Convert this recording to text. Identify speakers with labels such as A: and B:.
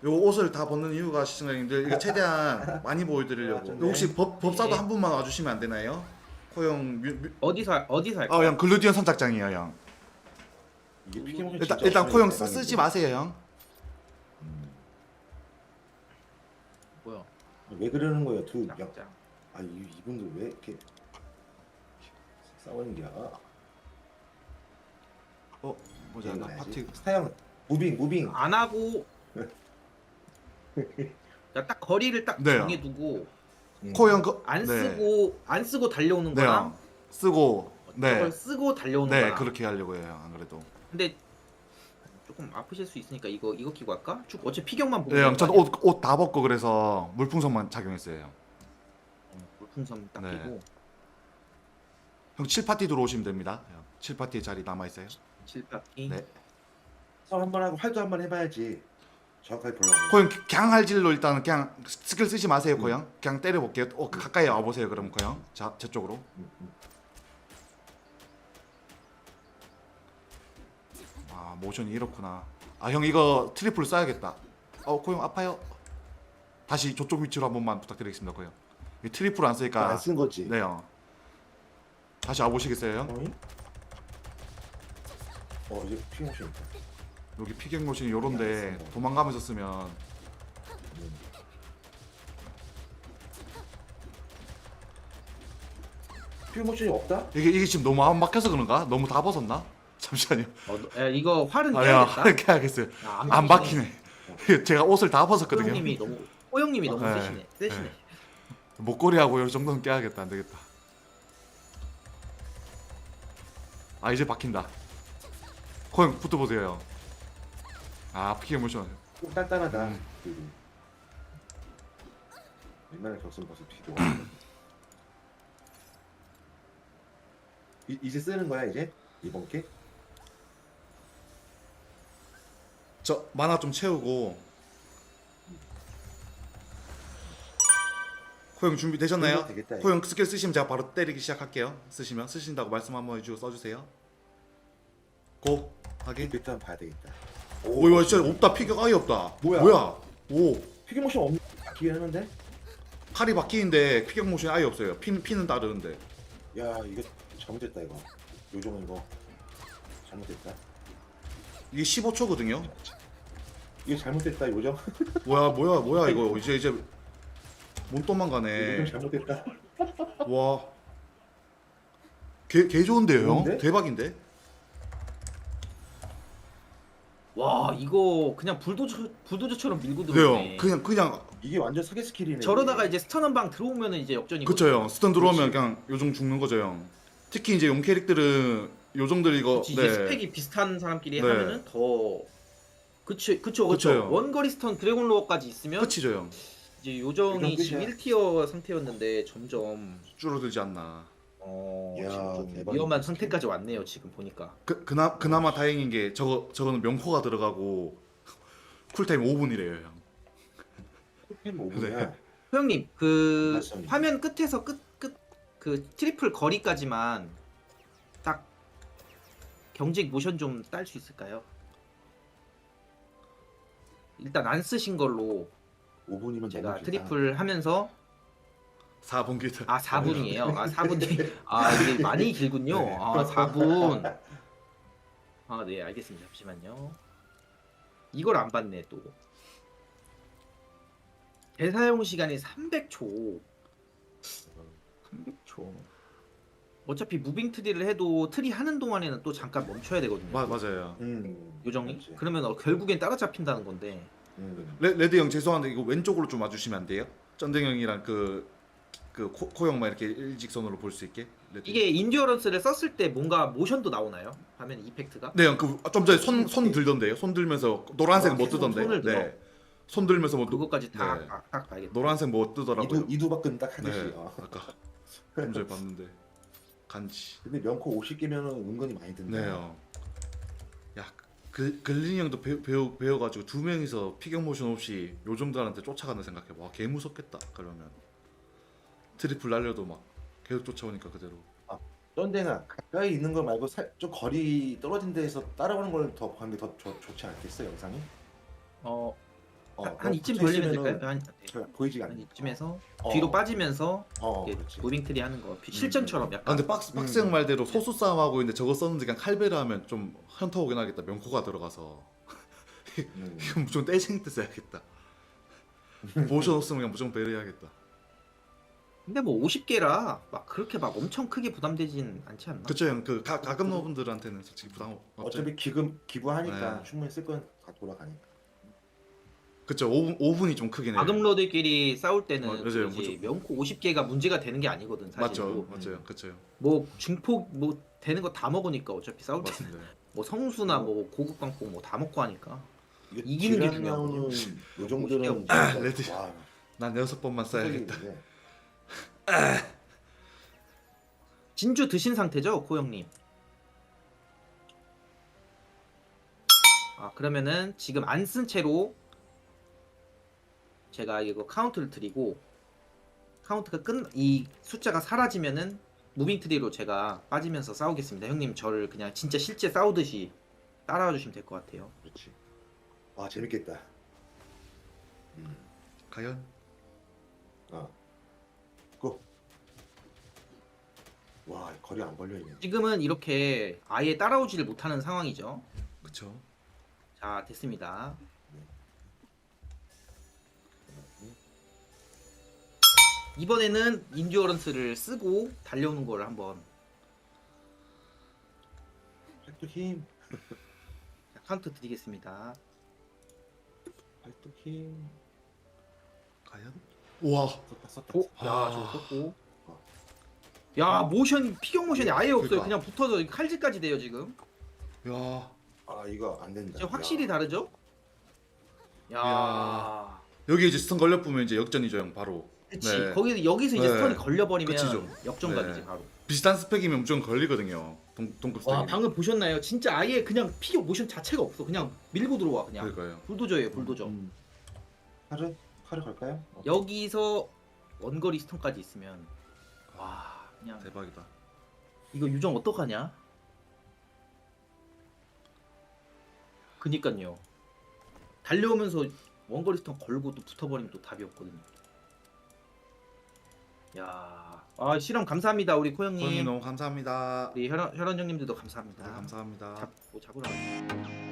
A: 요 옷을 다 벗는 이유가 시청자님들 이거 최대한 많이 보여드리려고.
B: 좋네.
A: 혹시 법사도
C: 예.
A: 한 분만 와주시면 안 되나요? 코형
C: 어디서 할까요?
A: 형 글루디언 선착장이에요 형.
B: 이게 피규어
A: 일단 코형 쓰지 마세요 형.
C: 뭐야?
B: 왜 그러는 거예요, 두 양?
C: 짱짱.
B: 아, 이분들 왜 이렇게 싸우는 게야?
A: 뭐지 나 파티
B: 사양 무빙.
C: 안 하고 그러니까 딱 거리를 딱
A: 네.
C: 정해두고
A: 코형 그
C: 안
A: 네.
C: 쓰고 달려오는
A: 네
C: 거랑
A: 형. 쓰고 네.
C: 저걸 쓰고 달려오는
A: 네
C: 거랑.
A: 그렇게 하려고 해요 형, 안 그래도.
C: 근데 조금 아프실 수 있으니까 이거 끼고 할까? 쭉 어차피 피경만 보면
A: 네 형,
C: 되는
A: 전
C: 거 아니야?
A: 옷 다 벗고 그래서 물풍선만 착용했어요 형.
C: 물풍선 딱
A: 네.
C: 끼고
A: 형 7파티 들어오시면 됩니다. 형. 7파티에 자리 남아 있어요.
C: 칠바퀴.
A: 네.
B: 싸움 한번 하고 활도 한번 해봐야지. 정확하게 보려고.
A: 코형 그냥 할질로 일단 그냥 스킬 쓰지 마세요 코형. 그냥 때려 볼게요. 가까이 와 보세요 그럼 코형. 자, 제 쪽으로. 아, 모션이 이렇구나. 아, 형 이거 트리플 써야겠다. 코형 아파요. 다시 저쪽 위치로 한 번만 부탁드리겠습니다, 코형. 이 트리플 안 쓰니까.
B: 안 쓴 거지.
A: 네, 형. 다시 와 보시겠어요, 형?
B: 어이? 이제 피규어 있다.
A: 여기 피격 모션이 요런데 도망가면서 쓰면
B: 피규어 모션이 없다?
A: 이게 지금 너무 안 막혀서 그런가? 너무 다 벗었나? 잠시만요.
C: 야, 이거 활은
A: 아니야,
C: 떼야겠다.
A: 이렇게 하겠어요.
C: 야,
A: 안 박히네. 제가 옷을 다 벗었거든요.
C: 호영님이 너무
A: 네.
C: 세시네. 세시네.
A: 네. 목걸이하고 요 정도는 깨야겠다. 안 되겠다. 아, 이제 박힌다. 코형 붙어보세요, 형. 아, 피격 모션.
B: 좀 단단하다.
A: 음.
B: 옛날에 격선 벗어 뒤도. 이제 쓰는 거야 이제 이번 게?
A: 저 만화 좀 채우고. 코형 준비되셨나요?
B: 되겠다, 이거.
A: 코형 스킬 쓰시면 제가 바로 때리기 시작할게요. 쓰신다고 말씀 한번 해주고 써주세요. 고 하기.
B: 일단 봐야 되겠다.
A: 오 이거 진짜 없다. 피격 아예 없다.
B: 뭐야?
A: 오
B: 피규어 모션 없는 바뀌긴 하는데?
A: 칼이 바뀌는데 피격 모션이 아예 없어요. 피는 따르는데.
B: 야 이거 잘못됐다 이거. 요정은 이거 잘못됐다.
A: 이게 15초거든요.
B: 이게 잘못됐다 요정.
A: 뭐야 이거 이제 못 도망가네.
B: 요정 잘못됐다.
A: 와. 개 좋은데요, 형?
B: 좋은데?
A: 대박인데?
C: 와 이거 그냥 불도저처럼 밀고
A: 네,
C: 들어오네.
A: 형. 그냥
B: 이게 완전 사기 스킬이네.
C: 저러다가
B: 이게.
C: 이제 스턴 한 방 들어오면은 이제 역전이고.
A: 그쵸, 형. 스턴 들어오면
B: 그렇지.
A: 그냥 요정 죽는 거죠, 형. 특히 이제 용 캐릭들은 요정들 이거
C: 이제 스펙이 비슷한 사람끼리
A: 네.
C: 하면은 더 그쵸.
A: 그쵸.
C: 원거리 스턴 드래곤 로어까지 있으면
A: 끝이죠, 형.
C: 이제 요정이
B: 요정
C: 지금
B: 끝이야.
C: 1티어 상태였는데 점점
A: 줄어들지 않나.
B: 이야,
C: 지금 좀
B: 대박이다.
C: 위험한 상태까지 왔네요 지금 보니까.
A: 그나마 다행인 게 저거는 명코가 들어가고 쿨타임 5분이래요, 형.
B: 템 5분이야.
C: 소영님 그
B: 맞습니다.
C: 화면 끝에서 끝 그 트리플 거리까지만 딱 경직 모션 좀 딸 수 있을까요? 일단 안 쓰신 걸로
B: 5분이면
C: 제가 트리플 하면서
A: 4분 기다.
C: 4분이에요. 4분이 이게 많이 길군요.
A: 네.
C: 4분. 네, 알겠습니다. 잠시만요. 이걸 안 봤네 또. 대사용 시간이 300초. 300초. 어차피 무빙 트리를 해도 트리 하는 동안에는 또 잠깐 멈춰야 되거든요.
A: 맞아요.
C: 요정이.
B: 그렇지.
C: 그러면 결국엔 따라잡힌다는 건데.
A: 레드 형 죄송한데 이거 왼쪽으로 좀 와주시면 안 돼요? 쩐댕 형이랑 코형만 이렇게 일직선으로 볼 수 있게. 레드
C: 이게 인듀어런스를 썼을 때 뭔가 모션도 나오나요? 화면 이펙트가?
A: 네, 형 좀 전에 손 들던데요. 손 들면서 노란색 못 뜨던데.
C: 손을 들어.
A: 네. 손 들면서 뭐
C: 그것까지 다
A: 네.
C: 딱 봐야겠다.
A: 노란색 뭐 뜨더라고요.
B: 이두박근 딱 하듯이.
A: 네. 아까 좀 전에 봤는데 간지.
B: 근데 명코 50개면은 은근히 많이 든다.
A: 네, 형. 야, 글린이 형도 배워가지고 두 명이서 피격 모션 없이 요정들한테 쫓아가는 생각해. 와, 개 무섭겠다. 그러면 트리플 날려도 막 계속 쫓아오니까 그대로.
B: 쩐댕아 가까이 있는 거 말고 좀 거리 떨어진 데에서 따라오는 걸 더 보는 게 더 좋지 않겠어 영상이?
C: 한 이쯤
B: 붙어
C: 벌리면
B: 있으면은
C: 될까요? 한,
B: 잘 보이지가
C: 한
B: 않네.
C: 이쯤에서
B: 어.
C: 뒤로 빠지면서 이렇게
B: 그렇지.
C: 무빙트리 하는 거 실전처럼
A: 아
C: 약간
A: 근데 박스 형 말대로 소수 싸움 하고 있는데 저거 썼는데 그냥 칼베르 하면 좀 현타 오긴 하겠다. 명코가 들어가서 이건 무조건 떼쟁이 때 써야겠다. 모션 없으면 그냥 무조건 베르 해야겠다.
C: 근데 뭐 50개라 막 그렇게 막 엄청 크게 부담되진 않지 않나?
A: 그쵸 형. 그 가끔 너분들한테는 솔직히 부담 없죠.
B: 어차피 기부하니까
A: 네.
B: 충분히 쓸 건 다 돌아가니까.
A: 그쵸. 5분이 좀 크긴 해요.
C: 아금러들끼리 싸울 때는
A: 맞아요.
C: 이제
A: 무조건.
C: 명코 50개가 문제가 되는 게 아니거든 사실.
A: 맞죠. 맞아요. 그쵸.
C: 뭐 중폭 뭐 되는 거 다 먹으니까 어차피 싸울 때는
A: 맞습니다.
C: 뭐 성수나 뭐 고급 광폭 뭐 다 먹고 하니까
B: 이게
C: 이기는 게
B: 딜 나오는
C: 중요하거든요.
B: 요정들은
A: 아,
B: 진짜
A: 레드.
B: 와,
A: 난 6번만 써야겠다.
B: 흔들리는데.
C: 진주 드신 상태죠, 코 형님? 아 그러면은 지금 안 쓴 채로 제가 이거 카운트를 드리고 카운트가 이 숫자가 사라지면은 무빙 트리로 제가 빠지면서 싸우겠습니다. 형님 저를 그냥 진짜 실제 싸우듯이 따라와 주시면 될 것 같아요.
B: 그렇지. 아 재밌겠다.
A: 과연?
B: 고. 와 거리 안 벌려 있네.
C: 지금은 이렇게 아예 따라오지를 못하는 상황이죠.
A: 그쵸.
C: 자 됐습니다. 이번에는 인듀어런스를 쓰고 달려오는 걸 한번
B: 팔뚝 힘.
C: 카운트 드리겠습니다.
B: 팔뚝 힘.
A: 과연? 우와.
B: 썼다.
C: 오, 야,
A: 아.
C: 저거 썼고. 야, 모션 피격 모션이 아예 없어요.
A: 그러니까.
C: 그냥 붙어서 칼질까지 돼요 지금.
A: 야.
B: 아 이거 안 된다.
C: 진짜 확실히 다르죠? 야,
A: 야. 여기 이제 스턴 걸려보면 이제 역전이죠 형 바로.
C: 그치.
A: 네.
C: 거기서 여기서 이제
A: 네.
C: 스턴이 걸려버리면
A: 그치죠.
C: 역전각이지
A: 네.
C: 바로.
A: 비슷한 스펙이면 무조건 걸리거든요. 동급 스펙이.
C: 와, 방금 보셨나요? 진짜 아예 그냥 피격 모션 자체가 없어. 그냥 밀고 들어와 그냥.
A: 그러니까요.
C: 불도저예요, 불도저.
B: 칼을 갈까요?
C: 여기서 원거리 스턴까지 있으면 와, 그냥
A: 대박이다.
C: 이거 유정 어떡하냐? 그니까요. 달려오면서 원거리 스턴 걸고 또 붙어버리면 또 답이 없거든요. 야, 아 실험 감사합니다 우리 코
A: 형님
C: 형님.
A: 너무 감사합니다.
C: 우리 혈원 형님들도 감사합니다.
A: 네, 감사합니다.
C: 잡으러 가요.